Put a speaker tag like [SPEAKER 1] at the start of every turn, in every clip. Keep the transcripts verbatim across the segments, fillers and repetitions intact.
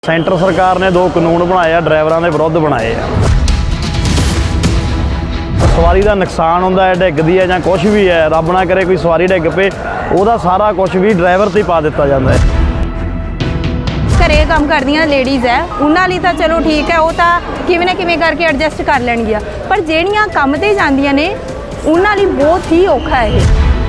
[SPEAKER 1] Centre सरकार ने दो कानून बनाए ड्राइवरों के विरुद्ध बनाए सवारी का नुकसान होंदा है डिगदी है या कुछ भी है रब ना करे कोई सवारी डिग पे ਉਹਦਾ सारा कुछ भी ड्राइवर से पा दिता जाता है।
[SPEAKER 2] घरे काम करदियां लेडीज़ है उन्हां लई तां चलो ठीक है वो तां किवें ना किवें करके एडजस्ट कर लैणगियां पर ਜਿਹੜੀਆਂ ਕੰਮ ते ਜਾਂदियां ने उन्हां लई बहुत ही औखा है।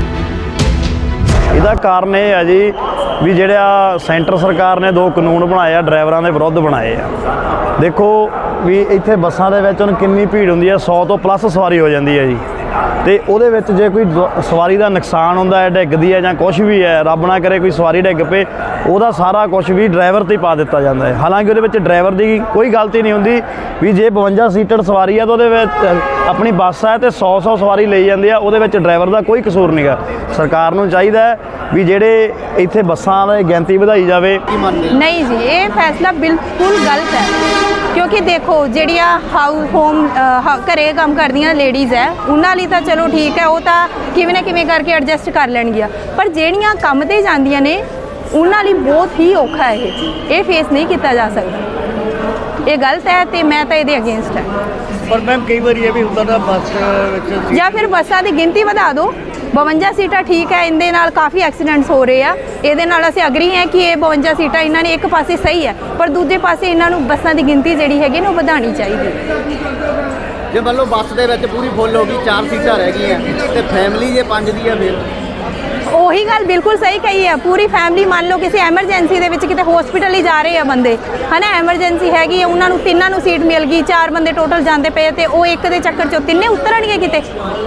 [SPEAKER 1] ਇਹਦਾ ਕਾਰਨ ਇਹ ਹੈ ਜੀ ਵੀ ਜਿਹੜਾ ਸੈਂਟਰ ਸਰਕਾਰ ਨੇ ਦੋ ਕਾਨੂੰਨ ਬਣਾਏ ਆ ਡਰਾਈਵਰਾਂ ਦੇ ਵਿਰੁੱਧ ਬਣਾਏ ਆ। ਦੇਖੋ ਵੀ ਇੱਥੇ ਬੱਸਾਂ ਦੇ ਵਿੱਚ ਹੁਣ ਕਿੰਨੀ ਭੀੜ ਹੁੰਦੀ ਹੈ ਸੌ ਤੋਂ ਪਲੱਸ ਸਵਾਰੀ ਹੋ ਜਾਂਦੀ ਹੈ ਜੀ ਤੇ ਉਹਦੇ ਵਿੱਚ ਜੇ ਕੋਈ ਸਵਾਰੀ ਦਾ ਨੁਕਸਾਨ ਹੁੰਦਾ ਹੈ ਡਿੱਗਦੀ ਹੈ ਜਾਂ ਕੁਝ ਵੀ ਹੈ ਰੱਬ ਨਾ ਕਰੇ ਕੋਈ ਸਵਾਰੀ ਡਿੱਗ ਪਏ ਉਹਦਾ ਸਾਰਾ ਕੁਝ ਵੀ ਡਰਾਈਵਰ ਤੇ ਪਾ ਦਿੱਤਾ ਜਾਂਦਾ ਹੈ। ਹਾਲਾਂਕਿ ਉਹਦੇ ਵਿੱਚ ਡਰਾਈਵਰ ਦੀ ਕੋਈ ਗਲਤੀ ਨਹੀਂ ਹੁੰਦੀ ਵੀ ਜੇ ਬਵੰਜਾ ਸੀਟਡ ਸਵਾਰੀ ਹੈ ਤਾਂ ਉਹਦੇ ਵਿੱਚ ਆਪਣੀ ਬੱਸ ਹੈ ਤੇ ਸੌ ਸੌ ਸਵਾਰੀ ਲਈ ਜਾਂਦੀ ਆ ਉਹਦੇ ਵਿੱਚ ਡਰਾਈਵਰ ਦਾ ਕੋਈ ਕਸੂਰ ਨਹੀਂਗਾ। ਸਰਕਾਰ ਨੂੰ ਚਾਹੀਦਾ ਹੈ ਵੀ ਜਿਹੜੇ ਇੱਥੇ ਬੱਸਾਂ ਦੀ ਗਿਣਤੀ ਵਧਾਈ ਜਾਵੇ।
[SPEAKER 2] नहीं जी ये फैसला बिल्कुल गलत है क्योंकि देखो ਜਿਹੜੀਆਂ ਹਾਊਸ ਹੋਮ ਘਰੇ ਕੰਮ ਕਰਦੀਆਂ ਲੇਡੀਜ਼ ਹੈ ਉਹਨਾਂ ਲਈ ਤਾਂ ਚਲੋ ਠੀਕ ਹੈ ਉਹ ਤਾਂ ਕਿਵੇਂ ਨਾ ਕਿਵੇਂ ਕਰਕੇ ਐਡਜਸਟ ਕਰ ਲੈਣਗੀਆਂ ਪਰ ਜਿਹੜੀਆਂ ਕੰਮ ਤੇ ਜਾਂਦੀਆਂ ਨੇ ਉਹਨਾਂ ਲਈ ਬਹੁਤ ਹੀ ਔਖਾ ਹੈ ਇਹ ਇਹ ਫੇਸ ਨਹੀਂ ਕੀਤਾ ਜਾ ਸਕਦਾ। ਇਹ ਗਲਤ ਹੈ ਤੇ ਮੈਂ ਤਾਂ ਇਹਦੇ ਅਗੇਂਸਟ ਹੈ।
[SPEAKER 3] ਪਰ ਮੈਮ ਕਈ ਵਾਰੀ ਇਹ ਵੀ ਹੁੰਦਾ ਨਾ ਬੱਸ ਵਿੱਚ
[SPEAKER 2] ਜਾਂ ਫਿਰ ਬੱਸਾਂ ਦੀ ਗਿਣਤੀ ਵਧਾ ਦਿਓ ਬਵੰਜਾ ਸੀਟਾਂ ਠੀਕ ਹੈ ਇਹਦੇ ਨਾਲ ਕਾਫੀ ਐਕਸੀਡੈਂਟਸ ਹੋ ਰਹੇ ਆ ਇਹਦੇ ਨਾਲ ਅਸੀਂ ਅਗਰੀ ਹੈ ਕਿ ਇਹ ਬਵੰਜਾ ਸੀਟਾਂ ਇਹਨਾਂ ਨੇ ਇੱਕ ਪਾਸੇ ਸਹੀ ਹੈ ਪਰ ਦੂਜੇ ਪਾਸੇ ਇਹਨਾਂ ਨੂੰ ਬੱਸਾਂ ਦੀ ਗਿਣਤੀ ਜਿਹੜੀ ਹੈਗੀ ਨਾ ਉਹ ਵਧਾਉਣੀ ਚਾਹੀਦੀ ਹੈ।
[SPEAKER 3] ਜੇ ਮੰਨ ਲਓ ਬੱਸ ਦੇ ਵਿੱਚ ਪੂਰੀ ਫੁੱਲ ਹੋ ਗਈ ਚਾਰ ਸੀਟਾਂ ਰਹਿ ਗਈਆਂ ਤੇ ਫੈਮਿਲੀ ਜੇ ਪੰਜ ਦੀ ਆ ਫਿਰ
[SPEAKER 2] ਉਹੀ ਗੱਲ ਬਿਲਕੁਲ ਸਹੀ ਕਹੀ ਹੈ ਪੂਰੀ ਫੈਮਿਲੀ ਮੰਨ ਲਓ ਕਿਸੇ ਐਮਰਜੈਂਸੀ ਦੇ ਵਿੱਚ ਕਿਤੇ ਹਸਪੀਟਲ ਹੀ ਜਾ ਰਹੇ ਆ ਬੰਦੇ ਹਨਾ ਐਮਰਜੈਂਸੀ ਹੈਗੀ ਹੈ ਉਹਨਾਂ ਨੂੰ ਤਿੰਨਾਂ ਨੂੰ ਸੀਟ ਮਿਲ ਗਈ ਚਾਰ ਬੰਦੇ ਟੋਟਲ ਜਾਂਦੇ ਪਏ ਤੇ ਉਹ ਇੱਕ ਦੇ ਚੱਕਰ 'ਚੋਂ ਤਿੰਨੇ ਉਤਰਨਗੇ ਕਿਤੇ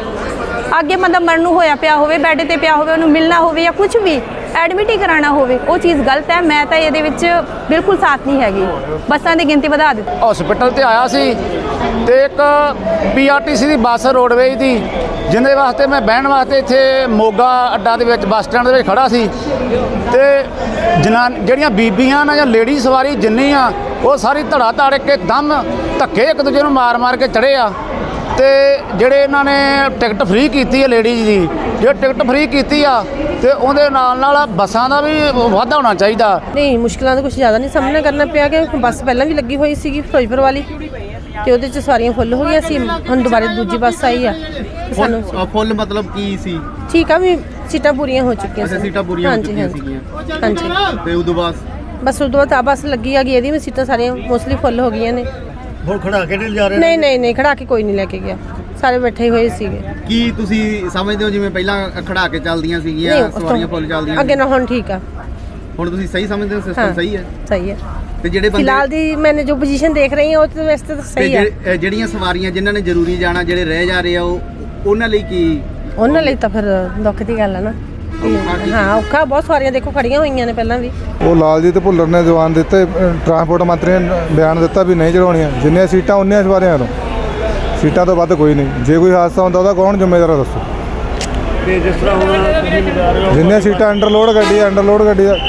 [SPEAKER 2] ਅੱਗੇ ਬੰਦਾ ਮਰਨ ਨੂੰ ਹੋਇਆ ਪਿਆ ਹੋਵੇ ਬੈੱਡ ਤੇ ਪਿਆ ਹੋਵੇ ਉਹਨੂੰ ਮਿਲਣਾ ਹੋਵੇ ਜਾਂ ਕੁਝ ਵੀ ਐਡਮਿਟ ਹੀ ਕਰਾਉਣਾ ਹੋਵੇ ਉਹ ਚੀਜ਼ ਗਲਤ ਹੈ। ਮੈਂ ਤਾਂ ਇਹਦੇ ਵਿੱਚ ਬਿਲਕੁਲ ਸਾਥ ਨਹੀਂ ਹੈਗੀ ਬੱਸਾਂ ਦੀ ਗਿਣਤੀ ਵਧਾ ਦਿੱਤੀ।
[SPEAKER 4] ਹਸਪੀਟਲ ਤੇ ਆਇਆ ਸੀ ਤੇ ਇੱਕ ਪੀਆਰਟੀਸੀ ਦੀ ਬੱਸ ਰੋਡਵੇਜ ਦੀ ਜਿਹਦੇ ਵਾਸਤੇ ਮੈਂ ਬਹਿਣ ਵਾਸਤੇ ਇੱਥੇ ਮੋਗਾ ਅੱਡਾ ਦੇ ਵਿੱਚ ਬੱਸ ਸਟੈਂਡ ਦੇ ਵਿੱਚ ਖੜਾ ਸੀ ਤੇ ਜਨਾਂ ਜਿਹੜੀਆਂ ਬੀਬੀਆਂ ਨਾ ਜਾਂ ਲੇਡੀ ਸਵਾਰੀ ਜਿੰਨੀ ਆ ਉਹ ਸਾਰੀ ਧੜਾ ਧੜ ਕੇ ਦਮ ਧੱਕੇ ਇੱਕ ਦੂਜੇ ਨੂੰ ਮਾਰ ਮਾਰ ਕੇ ਚੜੇ ਆ ਤੇ ਜਿਹੜੇ ਇਹਨਾਂ ਨੇ ਟਿਕਟ ਫ੍ਰੀ ਕੀਤੀ ਹੈ ਲੇਡੀਜ਼ ਦੀ ਜੇ ਟਿਕਟ ਫ੍ਰੀ ਕੀਤੀ ਆ ਤੇ ਉਹਦੇ ਨਾਲ ਨਾਲ ਬੱਸਾਂ ਦਾ ਵੀ ਵਾਧਾ ਹੋਣਾ ਚਾਹੀਦਾ।
[SPEAKER 5] ਨਹੀਂ ਮੁਸ਼ਕਿਲਾਂ ਦਾ ਕੁਝ ਜ਼ਿਆਦਾ ਨਹੀਂ ਸਾਹਮਣਾ ਕਰਨਾ ਪਿਆ ਕਿ ਬੱਸ ਪਹਿਲਾਂ ਵੀ ਲੱਗੀ ਹੋਈ ਸੀਗੀ ਫਿਰੋਜ਼ਪੁਰ ਵਾਲੀ ਤੇ ਉਹਦੇ 'ਚ ਸਵਾਰੀਆਂ ਫੁੱਲ ਹੋ ਗਈਆਂ ਸੀ ਹੁਣ ਦੁਬਾਰਾ ਦੂਜੀ ਬੱਸ ਆਈ ਆ ਸਾਨੂੰ
[SPEAKER 3] ਫੁੱਲ ਮਤਲਬ ਕੀ ਸੀ
[SPEAKER 5] ਠੀਕ ਆ ਵੀ ਸੀਟਾਂ ਪੂਰੀਆਂ ਹੋ ਚੁੱਕੀਆਂ
[SPEAKER 3] ਸੀ ਸੀਟਾਂ ਪੂਰੀਆਂ ਹੋ ਚੁੱਕੀਆਂ ਸੀਗੀਆਂ
[SPEAKER 5] ਹਾਂਜੀ
[SPEAKER 3] ਤੇ ਉਦੋਂ ਬਾਅਦ
[SPEAKER 5] ਬਸ ਉਦੋਂ ਬਾਅਦ ਆ ਬੱਸ ਲੱਗੀ ਆ ਗਈ ਇਹਦੀ ਵੀ ਸੀਟਾਂ ਸਾਰੀਆਂ ਮੋਸਟਲੀ ਫੁੱਲ ਹੋ ਗਈਆਂ ਨੇ।
[SPEAKER 3] ਹੁਣ ਖੜਾ ਕੇ ਨਹੀਂ ਜਾ ਰਹੇ
[SPEAKER 5] ਨਹੀਂ ਨਹੀਂ ਨਹੀਂ ਖੜਾ ਕੇ ਕੋਈ ਨਹੀਂ ਲੈ ਕੇ ਗਿਆ ਸਾਰੇ ਬੈਠੇ ਹੋਏ ਸੀਗੇ।
[SPEAKER 3] ਕੀ ਤੁਸੀਂ ਸਮਝਦੇ ਹੋ ਜਿਵੇਂ ਪਹਿਲਾਂ ਖੜਾ ਕੇ ਚੱਲਦੀਆਂ ਸੀਗੀਆਂ ਸਵਾਰੀਆਂ ਫੁੱਲ ਚੱਲਦੀਆਂ
[SPEAKER 5] ਅੱਗੇ ਨਾ ਹੁਣ ਠੀਕ ਆ
[SPEAKER 3] ਹੁਣ ਤੁਸੀਂ ਸਹੀ ਸਮਝਦੇ ਹੋ ਸਿਸਟਮ ਸਹੀ ਹੈ
[SPEAKER 5] ਸਹੀ ਹੈ
[SPEAKER 3] ਤੇ ਜਿਹੜੇ ਬੰਦੇ
[SPEAKER 5] ਫਿਲਹਾਲ ਦੀ ਮੈਨੇ ਜੋ ਪੋਜੀਸ਼ਨ ਦੇਖ ਰਹੀ ਹਾਂ ਉਹ ਤੇ ਵੈਸੇ ਤਾਂ ਸਹੀ ਹੈ।
[SPEAKER 3] ਜਿਹੜੀਆਂ ਸਵਾਰੀਆਂ ਜਿਨ੍ਹਾਂ ਨੇ ਜ਼ਰੂਰੀ ਜਾਣਾ ਜਿਹੜੇ ਰਹਿ ਜਾ ਰਹੇ ਆ ਉਹ ਉਹਨਾਂ ਲਈ ਕੀ
[SPEAKER 5] ਉਹਨਾਂ ਲਈ ਤਾਂ ਫਿਰ ਦੁੱਖ ਦੀ ਗੱਲ ਆ ਨਾ ਹਾਂ ਔਖਾ ਬਹੁਤ ਸਾਰੀਆਂ ਦੇਖੋ ਖੜੀਆਂ ਹੋਈਆਂ ਨੇ ਪਹਿਲਾਂ ਵੀ।
[SPEAKER 6] ਉਹ ਲਾਲਜੀਤ ਭੁੱਲਰ ਨੇ ਜਵਾਨ ਦਿੱਤੇ ਟਰਾਂਸਪੋਰਟ ਮੰਤਰੀ ਨੇ ਬਿਆਨ ਦਿੱਤਾ ਵੀ ਨਹੀਂ ਚੜਾਉਣੀਆਂ ਜਿੰਨੀਆਂ ਸੀਟਾਂ ਉਨੀਆਂ ਸਵਾਰੀਆਂ ਨੂੰ ਸੀਟਾਂ ਤੋਂ ਵੱਧ ਕੋਈ ਨਹੀਂ ਜੇ ਕੋਈ ਹਾਦਸਾ ਹੁੰਦਾ ਉਹਦਾ ਕੌਣ ਜ਼ਿੰਮੇਵਾਰ ਹੈ ਦੱਸੋ।
[SPEAKER 1] ਤੇ ਜਿਸ ਤਰ੍ਹਾਂ ਹੁਣ ਤੁਸੀਂ ਬਤਾ ਰਹੇ ਹੋ
[SPEAKER 6] ਜਿੰਨੀਆਂ ਸੀਟਾਂ ਅੰਡਰਲੋਡ ਗੱਡੀ ਹੈ ਅੰਡਰਲੋਡ ਗੱਡੀ ਦਾ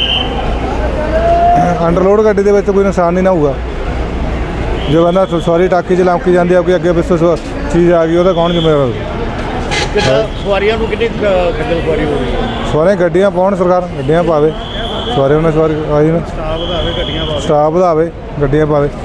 [SPEAKER 6] ਅੰਡਰਲੋਡ ਗੱਡੀ ਦੇ ਵਿੱਚ ਕੋਈ ਨੁਕਸਾਨ ਨਹੀਂ ਨਾ ਹੋਊਗਾ ਜੇ ਬੰਦਾ ਸਵਾਰੀ ਟਾਕੀ 'ਚ ਲੰਮਕੀ ਜਾਂਦੀ ਆ ਕੋਈ ਅੱਗੇ ਪਿੱਛੇ ਚੀਜ਼ ਆ ਗਈ ਉਹਦਾ ਕੌਣ ਜ਼ਿੰਮੇਵਾਰ ਹੋਊਗਾ।
[SPEAKER 1] ਸਵਾਰੀਆਂ ਨੂੰ ਕਿੰਨੀ ਖੱਜਲ ਖੁਆਰੀ ਹੋ ਰਹੀ ਹੈ
[SPEAKER 6] ਸਵਾਰੀਆਂ ਗੱਡੀਆਂ ਪਾਉਣ ਸਰਕਾਰ ਗੱਡੀਆਂ ਪਾਵੇ ਸਵਾਰੀਆਂ ਨੂੰ ਸਵਾਰੀ ਆਈ ਨਾ
[SPEAKER 1] ਸਟਾਫ ਵਧਾਵੇ ਗੱਡੀਆਂ
[SPEAKER 6] ਸਟਾਫ ਵਧਾਵੇ ਗੱਡੀਆਂ ਪਾਵੇ।